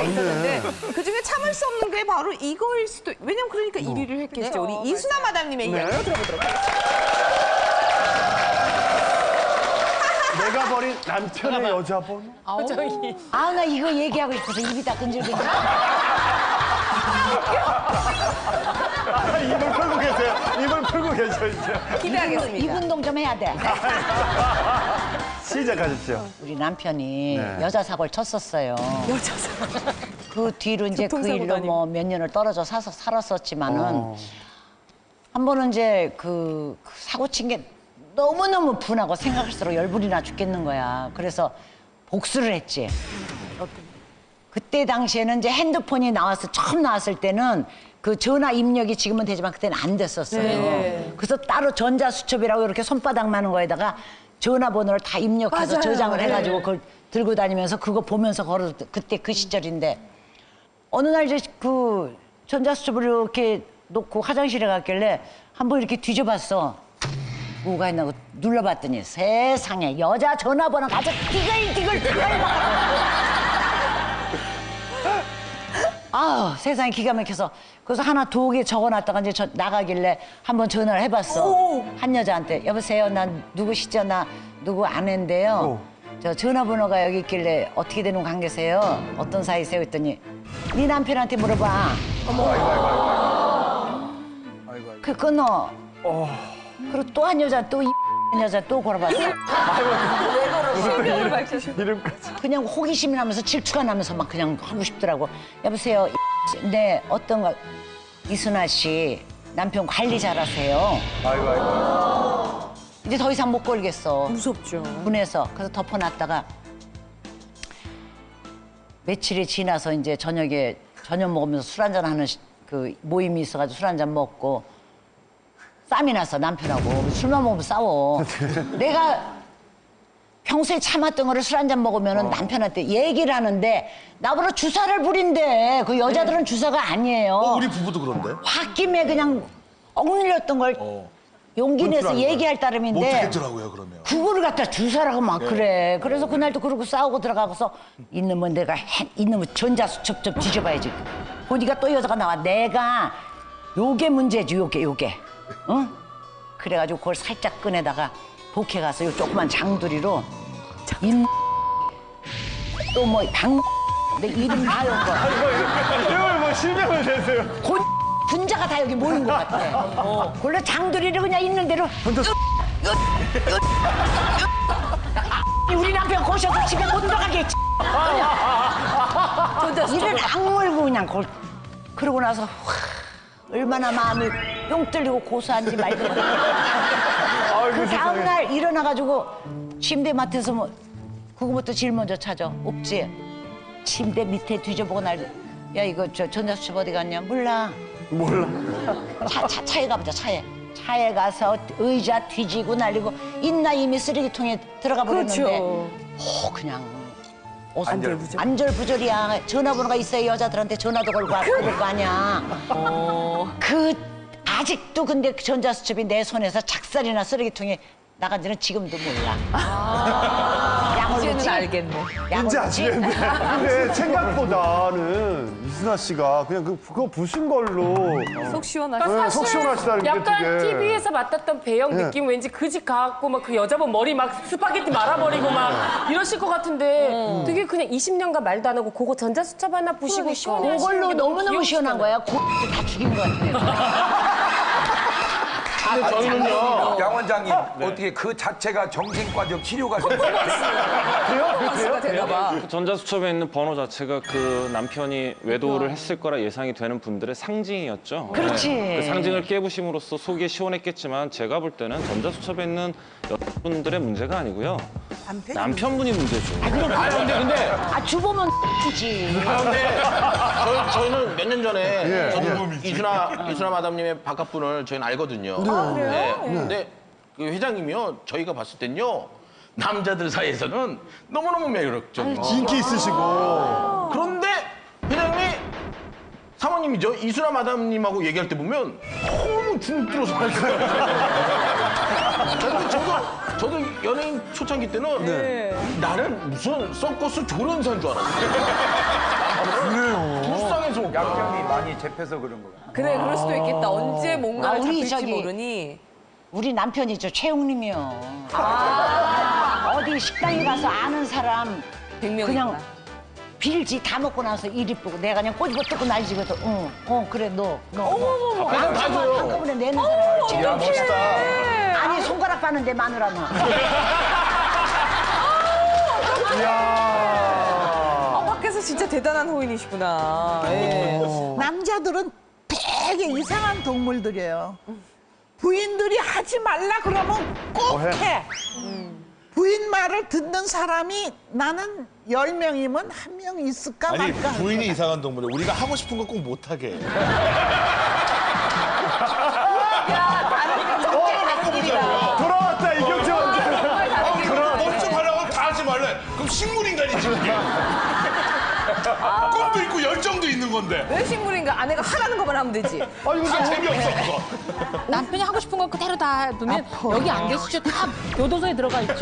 있었는데 그중에 참을 수 없는 게 바로 이거일 수도. 왜냐면 그러니까 1위를 했겠죠. 우리 이순아 마담님의 이야기 들어보도록 하겠습니다. 내가 버린 남편의 여자번호? 아, 나 이거 얘기하고 싶어서 입이 다 끈질긴다. 입을 풀고 계세요. 입을 풀고 계셔, 이제. 기대하겠습니다. 입 운동 좀 해야 돼. 시작하십시오. 우리 남편이 네. 여자 사고를 쳤었어요. 여자 사고. 그 뒤로 이제 그 교통사고 일로 다니고. 뭐 몇 년을 떨어져 살았었지만은 한 번은 이제 그 사고 친 게 너무너무 분하고 생각할수록 열불이 나 죽겠는 거야. 그래서 복수를 했지. 그때 당시에는 이제 핸드폰이 처음 나왔을 때는 그 전화 입력이 지금은 되지만 그때는 안 됐었어요. 네. 그래서 따로 전자수첩이라고 이렇게 손바닥만한 거에다가 전화번호를 다 입력해서 맞아요. 저장을 해가지고 네. 그걸 들고 다니면서 그거 보면서 걸어 그때 그 시절인데 어느 날 이제 그 전자수첩을 이렇게 놓고 화장실에 갔길래 한번 이렇게 뒤져봤어. 뭐가 있나 고 눌러봤더니 세상에 여자 전화번호가 아주 디글디글 아 세상에 기가 막혀서 그래서 하나 두개 적어놨다가 이제 나가길래 한번 전화를 해봤어. 한 여자한테 여보세요 난 누구시죠? 나 누구 아내인데요. 저 전화번호가 여기 있길래 어떻게 되는 관계세요? 어떤 사이세요? 했더니 네 남편한테 물어봐. 그 끊어. 그리고 또 한 여자 또 여자 또 걸어봤어. 실명을 밝혀주. 이름까지. 그냥 호기심이 나면서 질투가 나면서 막 그냥 하고 싶더라고. 여보세요. 네 어떤가 이순아 씨 남편 관리 잘하세요. 이제 더 이상 못 걸겠어. 무섭죠. 분해서 그래서 덮어놨다가 며칠이 지나서 이제 저녁에 저녁 먹으면서 술 한잔 하는 그 모임이 있어가지고 술 한잔 먹고 쌈이 났어 남편하고. 술만 먹으면 싸워. 내가 평소에 참았던 거를 술 한잔 먹으면 남편한테 얘기를 하는데 나보다 주사를 부린대. 그 여자들은 주사가 아니에요. 우리 부부도 그런데. 홧김에 그냥 억눌렸던 걸 용기 내서 얘기할 따름인데 못 하겠더라고요 그러면. 그거를 갖다 주사라고 막 그래. 그래서 그날도 그러고 싸우고 들어가고서 있는면 내가 있는면 전자수첩 좀 뒤져봐야지. 보니까 또 여자가 나와. 내가 요게 문제지 요게. 응? 그래가지고 그걸 살짝 꺼내다가 복해 가서 요 조그만 장두리로 또뭐방 내 이름 다 여거. 이걸 뭐 실명을 대세요. 분자가 다 여기 모인 것 같아. 원래 장두리를 그냥 있는 대로. 우리 남편 고셔서 집에 못 들어가게 했지. 이를 악물고 그냥 그러고 나서 얼마나 마음이 뿅 뚫리고 고소한지 말도 못해. 그 다음날 일어나가지고 침대 맡에서 뭐 그거부터 제일 먼저 찾아. 없지. 침대 밑에 뒤져보고 야 이거 저 전자수첩 어디 갔냐? 몰라. 차에 가보자. 차에 가서 의자 뒤지고 날리고 있나 이미 쓰레기통에 들어가 버렸는데. 그렇죠. 그냥 안절부절이야. 전화번호가 있어야 여자들한테 전화도 걸고 그럴 거 아니야. 아직도 근데 그 전자수첩이 내 손에서 작살이나 쓰레기통에 나간지는 지금도 몰라. 이제는 알겠네. 이제 아시겠네. 근데 생각보다는 이순아 씨가 그냥 그거 부신 걸로 속 시원하시죠. 네, 속 시원하시다는 게 약간 되게. TV에서 맡았던 배영 네. 느낌 왠지 그 집 가갖고 막 그 여자분 머리 막 스파게티 말아버리고 막 이러실 것 같은데 되게 그냥 20년간 말도 안 하고 그거 전자수첩 하나 부시고 시원해 하시는 그걸로 게 너무 너무너무 시원한 거야. 다 죽인 것 같아. 근데 저희는요, 양 원장님, 어떻게 그 자체가 정신과적 치료가 퍼포먼스가 되나봐. 그 전자수첩에 있는 번호 자체가 그 남편이 외도를 했을 거라 예상이 되는 분들의 상징이었죠. 그렇지. 그 상징을 깨부심으로써 속이 시원했겠지만 제가 볼 때는 전자수첩에 있는 여러분들의 문제가 아니고요. 남편분이 문제죠. 주보면 지 저희는 몇 년 전에 저도 예. 이순아 마담님의 바깥분을 저희는 알거든요. 네. 근데 그 회장님이요, 저희가 봤을 땐요, 남자들 사이에서는 너무너무 매력적이고. 인기 있으시고. 그런데 회장님이 사모님이죠, 이순아 마담님하고 얘기할 때 보면 너무 주눅들어서 하시어요. 저도 연예인 초창기 때는 나는 무슨 서커스 조련사인 줄 알았어요. 약점이 많이 잡혀서 그런 거야. 그래, 그럴 수도 있겠다. 언제 뭔가를 우리 잡힐지 저기- 모르니. 우리 남편이 저 최웅님이요. 어디 식당에 가서 아는 사람 100명이구나. 그냥 빌지 다 먹고 나서 일 이쁘고 내가 그냥 꼬집어 뜯고 날지거든. 그래 너. 그냥 다 줘요. 한꺼번에 내는 사람. 야, 멋있다. 아니 손가락 빠는데 마누라는. 밖에서 진짜 대단한 호인이시구나. 예. 남자들은 되게 이상한 동물들이에요. 부인들이 하지 말라 그러면 꼭 해. 부인 말을 듣는 사람이 나는 10명이면 1명 있을까 아니, 말까. 부인이 이상한 동물이야. 우리가 하고 싶은 거 꼭 못하게 해. 돌아왔다 이경재 원장. 먼저 하라고 다 하지 말래. 그럼 식물인간이지, 그게. 꿈도 있고 열정도 있는 건데. 왜 식물인가? 아내가 하라는 것만 하면 되지. 아니 근데 재미없어, 그거. 남편이 하고 싶은 거 그대로 다 놓으면 여기 안 계시죠? 다 교도소에 들어가 있죠.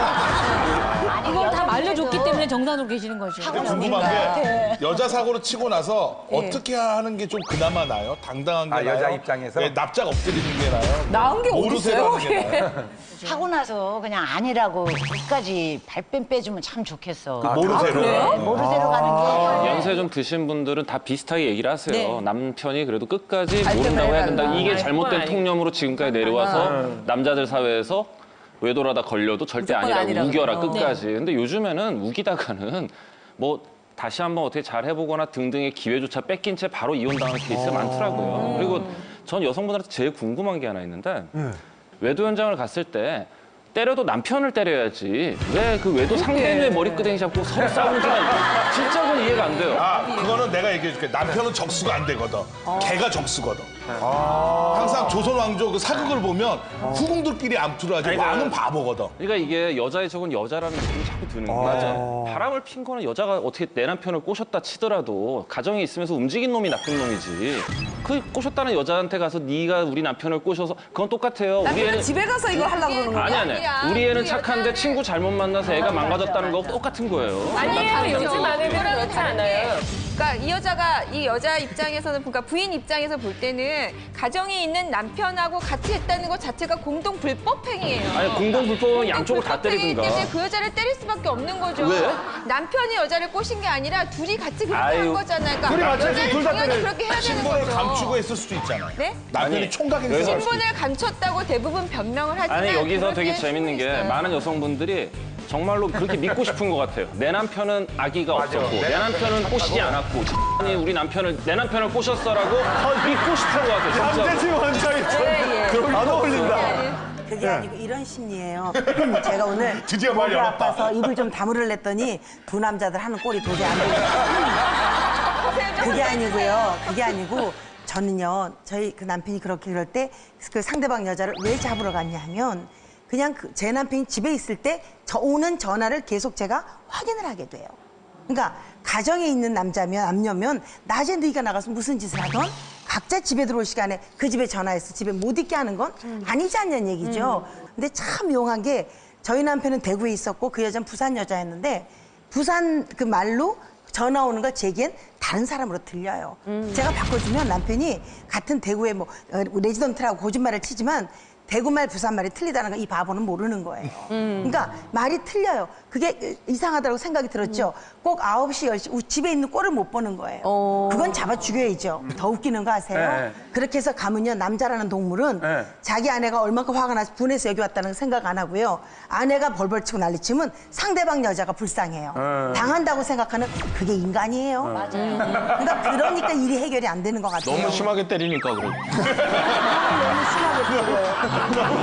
이걸 다 알려줬기 때문에 정상으로 계시는 거죠. 근데 궁금한 게 여자 사고로 치고 나서 어떻게 하는 게 좀 그나마 나아요? 당당한 게 아, 나아요? 여자 입장에서? 네, 납작 엎드리는 게 나아요? 나은 게 모르쇠로 어딨어요? 하는 게 나아요? 하고 나서 그냥 아니라고 끝까지 발뺌 빼주면 참 좋겠어. 모르쇠로. 모르쇠로 가는 게. 연세 좀 드신 분들은 다 비슷하게 얘기를 하세요. 네. 남편이 그래도 끝까지 발뺌을 모른다고 해야 해달라. 된다. 이게 잘못된 아니고. 통념으로 지금까지 내려와서 남자들 사회에서 외도라다 걸려도 절대 무조건 아니라고 아니라고. 우겨라 네. 끝까지. 근데 요즘에는 우기다가는 뭐 다시 한번 어떻게 잘 해보거나 등등의 기회조차 뺏긴 채 바로 이혼당하는 케이스가 많더라고요. 그리고 전 여성분들한테 제일 궁금한 게 하나 있는데 외도 현장을 갔을 때 때려도 남편을 때려야지 왜 그 외도 상대의 머리끄댕이 잡고 서로 싸우는지가 진짜 전 이해가 안 돼요. 아, 그거는 내가 얘기해줄게. 남편은 적수가 안 되거든. 걔가 적수거든. 항상 조선 왕조 그 사극을 보면 후궁들끼리 암투를 하지 왕은 바보거든. 그러니까 이게 여자의 적은 여자라는 느낌이 자꾸 드는 게 바람을 핀 거는 여자가 어떻게 내 남편을 꼬셨다 치더라도 가정에 있으면서 움직인 놈이 나쁜 놈이지. 그 꼬셨다는 여자한테 가서 네가 우리 남편을 꼬셔서 그건 똑같아요. 우리 남편은 애는 집에 가서 이걸 하려고 그러는 거야? 아니. 우리 애는 착한데 친구 잘못 만나서 애가 망가졌다는 거 똑같은 거예요. 아니에요. 요즘 아내들은 그렇지 않아요. 그러니까 이 여자 입장에서는 그러니까 부인 입장에서 볼 때는 가정에 있는 남편하고 같이 했다는 것 자체가 공동 불법 행위예요. 아니 공동 불법은 양쪽을 다 때리든가. 때문에 그 여자를 때릴 수밖에 없는 거죠. 왜? 남편이 여자를 꼬신 게 아니라 둘이 같이 그렇게 아유. 한 거잖아요. 그러니까 둘이 같이 여자는 둘다 당연히 때려요. 그렇게 해야 되는 신분을 거죠. 감추고 했을 수도 있잖아. 네? 남편이 아니, 총각인 여기서- 줄 신분을 감췄다고 대부분 변명을 하지만 아니 여기서 되게 그럴 재밌는 게 수는 있어요. 많은 여성분들이 정말로 그렇게 믿고 싶은 것 같아요. 내 남편은 아기가 없었고 내 남편은 꼬시지 않았고 아니 우리 남편을 내 남편을 꼬셨어라고 믿고 싶은 것 같아요. 진짜. 남재지 원장이 안 어울린다. 그게 아니고 이런 심리예요. 제가 오늘 드디어 목이 말이 열었다. 아파서 입을 좀 다물으려 했더니 두 남자들 하는 꼴이 도저히 안 되겠어요. 그게 아니고요. 그게 아니고 저는요. 저희 그 남편이 그렇게 그럴 때 그 상대방 여자를 왜 잡으러 갔냐 하면 그냥 제 남편이 집에 있을 때 오는 전화를 계속 제가 확인을 하게 돼요. 그러니까 가정에 있는 남녀면 낮에 네가 나가서 무슨 짓을 하던 각자 집에 들어올 시간에 그 집에 전화해서 집에 못 있게 하는 건 아니지 않냐는 얘기죠. 근데 참 묘한 게 저희 남편은 대구에 있었고 그 여자는 부산 여자였는데 부산 그 말로 전화 오는 거 제겐 다른 사람으로 들려요. 제가 바꿔주면 남편이 같은 대구에 뭐 레지던트라고 거짓말을 치지만 대구말 부산말이 틀리다는 거 이 바보는 모르는 거예요. 그러니까 말이 틀려요. 그게 이상하다고 생각이 들었죠. 꼭 9시, 10시 집에 있는 꼴을 못 보는 거예요. 그건 잡아 죽여야죠. 더 웃기는 거 아세요? 네. 그렇게 해서 가면요. 남자라는 동물은 네. 자기 아내가 얼마큼 화가 나서 분해서 여기 왔다는 생각 안 하고요. 아내가 벌벌 치고 난리치면 상대방 여자가 불쌍해요. 당한다고 생각하는 그게 인간이에요. 맞아요. 그러니까 일이 해결이 안 되는 것 같아요. 너무 심하게 때리니까 그래. 너무 심하게 때려요.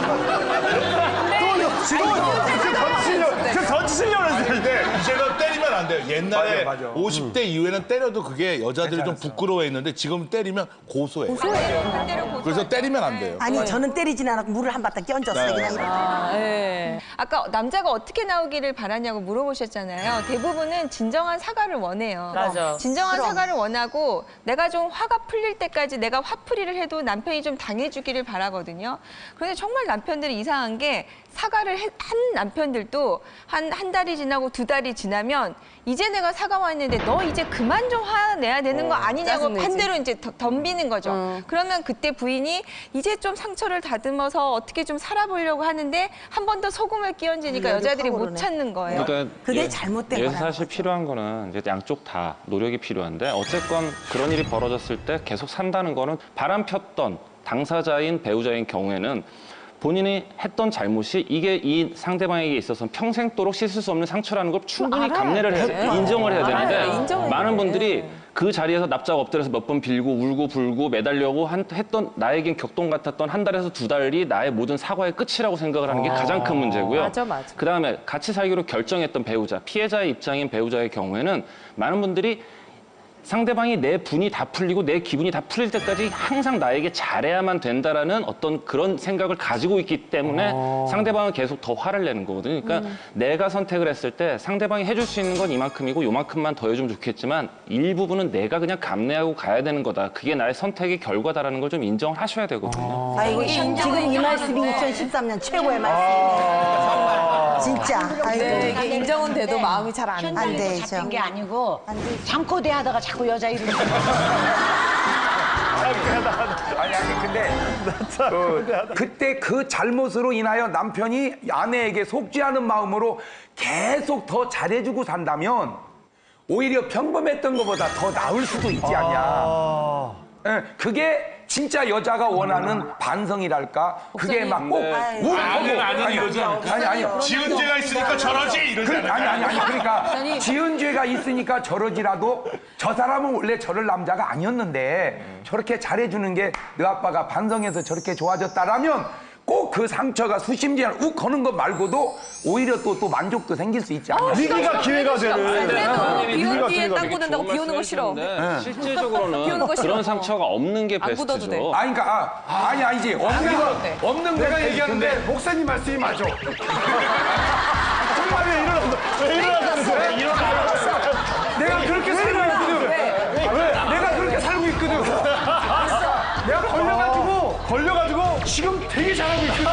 지금 던지시려고 했어요. 근데 이제는 때리면 안 돼요. 옛날에 맞아, 맞아. 50대 이후에는 때려도 그게 여자들이 좀 부끄러워했는데 지금 때리면 고소해요. 그래서 때리면 안 돼요. 아니 저는 때리진 않았고 물을 한 바탕 끼얹었어요. 그냥 이렇게. 아까 남자가 어떻게 나오기를 바라냐고 물어보셨잖아요. 대부분은 진정한 사과를 원해요. 맞아. 진정한 사과를 원하고 내가 좀 화가 풀릴 때까지 내가 화풀이를 해도 남편이 좀 당해주기를 바라거든요. 그런데 정말 남편들이 이상한 게 사과를 한 남편들도 한 달이 지나고 2달이 지나면 이제 내가 사과했는데 너 이제 그만 좀 화내야 되는 거 아니냐고 짜증내지. 반대로 이제 덤비는 거죠. 그러면 그때 부인이 이제 좀 상처를 다듬어서 어떻게 좀 살아보려고 하는데 한 번 더 소금을 끼얹으니까 여자들이 못 찾는 거예요. 그러니까 그게 잘못된 여기서 거라는 사실 거죠. 필요한 거는 이제 양쪽 다 노력이 필요한데 어쨌건 그런 일이 벌어졌을 때 계속 산다는 거는 바람 폈던 당사자인 배우자인 경우에는 본인이 했던 잘못이 이게 이 상대방에게 있어서는 평생도록 씻을 수 없는 상처라는 걸 충분히 감내를 인정을 해야 되는데 많은 분들이 그 자리에서 납작 엎드려서 몇 번 빌고 울고 불고 매달려고 했던 나에겐 격동 같았던 한 달에서 두 달이 나의 모든 사과의 끝이라고 생각을 하는 게 가장 큰 문제고요. 맞아. 그다음에 같이 살기로 결정했던 배우자, 피해자의 입장인 배우자의 경우에는 많은 분들이 상대방이 내 분이 다 풀리고 내 기분이 다 풀릴 때까지 항상 나에게 잘해야만 된다라는 어떤 그런 생각을 가지고 있기 때문에 상대방은 계속 더 화를 내는 거거든요. 그러니까 내가 선택을 했을 때 상대방이 해줄 수 있는 건 이만큼이고 요만큼만 더 해주면 좋겠지만 일부분은 내가 그냥 감내하고 가야 되는 거다. 그게 나의 선택의 결과다라는 걸 좀 인정을 하셔야 되거든요. 아이고 지금 이 말씀이 2013년 최고의 말씀이네요. 진짜. 아이고. 네, 이게 인정은 돼도 마음이 잘 안 돼. 안 현장에서 되죠. 잡힌 게 아니고 잠꼬대 하다가 자꾸 여자 이름 아니 근데 그때 그 잘못으로 인하여 남편이 아내에게 속지 않은 마음으로 계속 더 잘해주고 산다면 오히려 평범했던 것보다 더 나을 수도 있지 않냐. 예, 그게 진짜 여자가 원하는 반성이랄까. 그게 막 꼭 아니 이러지 않을까? 아니 지은 죄가 있으니까 저러지 이러지 않을까? 아니 그러니까 지은 죄가 있으니까 저러지라도 저 사람은 원래 저럴 남자가 아니었는데 저렇게 잘해주는 게 너 아빠가 반성해서 저렇게 좋아졌다라면 꼭 그 상처가 수심지한 욱 거는 것 말고도 오히려 또 만족도 생길 수 있지 않나. 위기가 기회가 되는. 그래도 비 오는 뒤에 기회가 땅 묻는다고 비 오는 거 싫어. 실제적으로는 비 오는 거 싫어. 그런 상처가 없는 게 안 묻어도 돼. 베스트죠. 그러니까 아니지 없는 거 내가 얘기하는데 목사님 말씀이 맞아. 정말이야 일어났어. 왜 일어났다는 거야? 내가 그렇게 살고 있거든. 내가 그렇게 살고 있거든. 내가 걸려가지고 지금 되게 잘하고 있거든.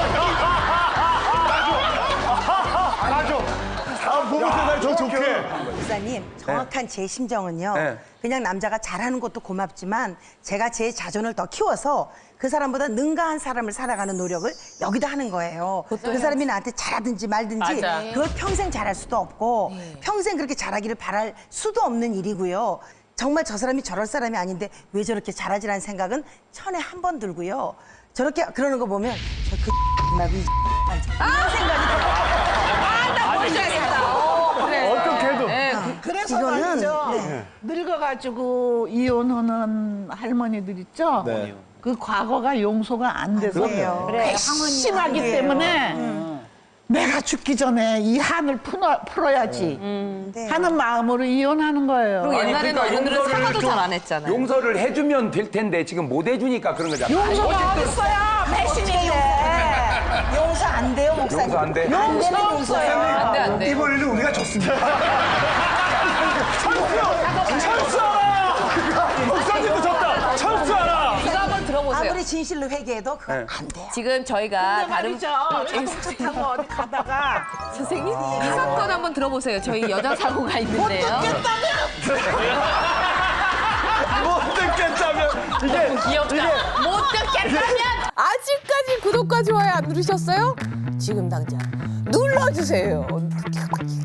맞아. 보면서 날 더 좋게. 목사님 정확한 제 심정은요. 네. 그냥 남자가 잘하는 것도 고맙지만 제가 제 자존을 더 키워서 그 사람보다 능가한 사람을 살아가는 노력을 여기다 하는 거예요. 그 사람이 나한테 잘하든지 말든지 맞아. 그걸 평생 잘할 수도 없고 평생 그렇게 잘하기를 바랄 수도 없는 일이고요. 정말 저 사람이 저럴 사람이 아닌데 왜 저렇게 잘하지라는 생각은 천에 한 번 들고요. 저렇게 그러는 거 보면 나도 이런 생각이 들어요. 나 뭔지 알겠다. 그래. 어떻게 해도. 그래서 이거는, 말이죠. 네. 늙어가지고 이혼하는 할머니들 있죠. 네. 그 과거가 용서가 안 돼서 그래요. 심하기 때문에 내가 죽기 전에 이 한을 풀어야지 네. 하는 마음으로 이혼하는 거예요. 그리고 옛날에는 그러니까 어른들은 용서를 사과도 좀 잘 안 했잖아요. 용서를 해주면 될 텐데 지금 못 해주니까 그런 거잖아. 용서가 어딨어요? 배신인데. 용서 안 돼요, 목사님. 용서 안 돼? 안 되는 용서예요. 안 돼. 이번에는 우리가 졌습니다. 철수하라! 목사님도 졌다. 철수하라. 이거 한번 들어보세요. 아무리 진실로 회개해도 그건 안 돼요. 지금 저희가 다른 말이죠. 자동차 타고 어디 가다가 선생님 이 사건 한번 들어보세요. 저희 여자 사고가 있는데요. 못 듣겠다면 이게 귀엽다. 못 듣겠다면 아직까지 구독과 좋아요 안 누르셨어요? 지금 당장 눌러주세요.